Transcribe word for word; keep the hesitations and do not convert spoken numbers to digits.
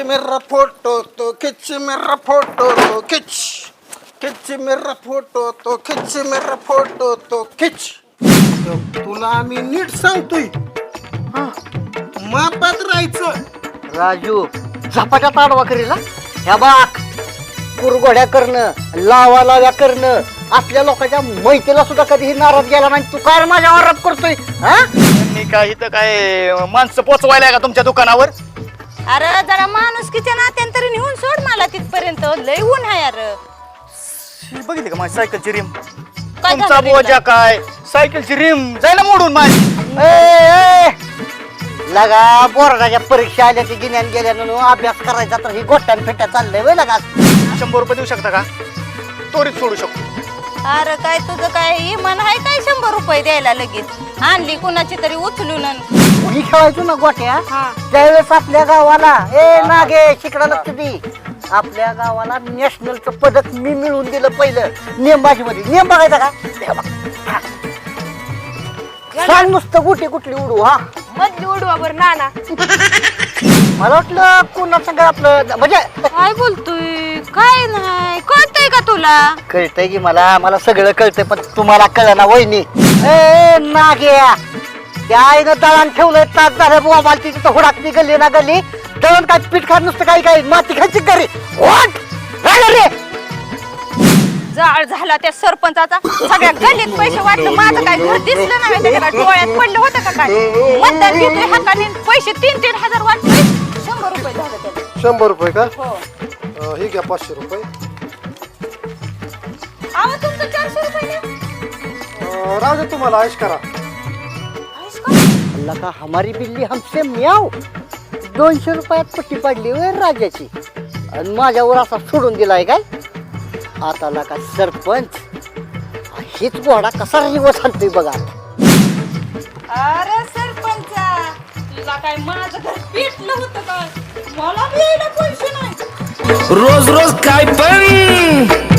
मेरा फोटो तो खिच मेरा फोटो तो खिच खिच मेरा फोटो तो खिच मेरा फोटो तो खिच. तुला आम्ही नीट सांगतोय मापात राहायचं. राजू झपाट्या ताडवा करील ह्या बाक कुरघोड्या करणं लावा लाव्या करणं आपल्या लोकांच्या मैत्रीला सुद्धा कधीही नाराज गेला नाही. तू काय माझ्या आरोप करतोय हा? मी काय इथं काय माणसं पोचवायला का तुमच्या दुकानावर? अरे जरा माणुसकीच्या नात्याने तरी नेऊन सोड मला तिथपर्यंत. लय ऊन आहे यार. ही बघितली का माझी सायकलची रिम? काय तुमचा झालं बोजा काय सायकलची रिम जायला मोडून माझी. ए, ए, लगा बोर्डाच्या परीक्षा आल्या की गिन्यान गेल्यानं अभ्यास करायचा तर ही गोट्यान फेट्या चाललंय वय लगा. शंभर रुपये देऊ शकता का? त्वरित सोडू शकतो. अरे काय तुझं काय इमान आहे काय शंभर रुपये द्यायला लगेच? आणली कुणाची तरी उचलून अन. मी खेळायचो ना गोट्या हा. त्यावेळेस आपल्या गावाला ए नागे शिकडा लक्ष दे आपल्या गावाला नॅशनलचं पदक मी मिळवून दिलं पहिलं नेमबाजी मध्ये. नेम बघायचा का सांग नुसतं गुटी कुठली उडू हा मधली उडवावर नाना. मला वाटलं कोणा संग आपलं म्हणजे काय बोलतोय? काय नाही कळतंय का तुला? कळतंय की मला मला सगळं कळतंय पण तुम्हाला कळलं ना वहिनी. ए नाग्या त्या आईनं दळण ठेवलंय तास झालं बुवा मला तिथे हुडाकली गल्ली ना गल्ली दळण काय पीठ खात नुसतं काही काही माती खायची घरी वाट राहिलं रे. जाळ झाला त्या सरपंचाचा. सगळ्या गल्लीत पैसे वाटलं माझं काय घर दिसलं नाही त्याच्या काय डोळ्यात पडलं होतं का काय? मतदान घेतोय हाताने पैसे तीन तीन हजार वाटले. शंभर रुपये झालं त्याला. शंभर रुपये का? हो. अं, हे घ्या पाचशे रुपये. अहो तुमचं चारशे रुपये द्या. अं, राहू दे तुम्हाला ऐश करा. आहेस का? अल्ला का हमारी बिल्ली हमसे म्याव. दोनशे रुपयात पट्टी पाडली वे राजाची आणि माझ्यावर असा सोडून दिलाय काय? आता का सरपंच हीच घोडा कसा रिवर्स आणतोय बघा. अरे सरपंचा तुला काय माझं घर पेटलं होतं काय? मला द्यायला पैसे नाही. रोज रोज काय पण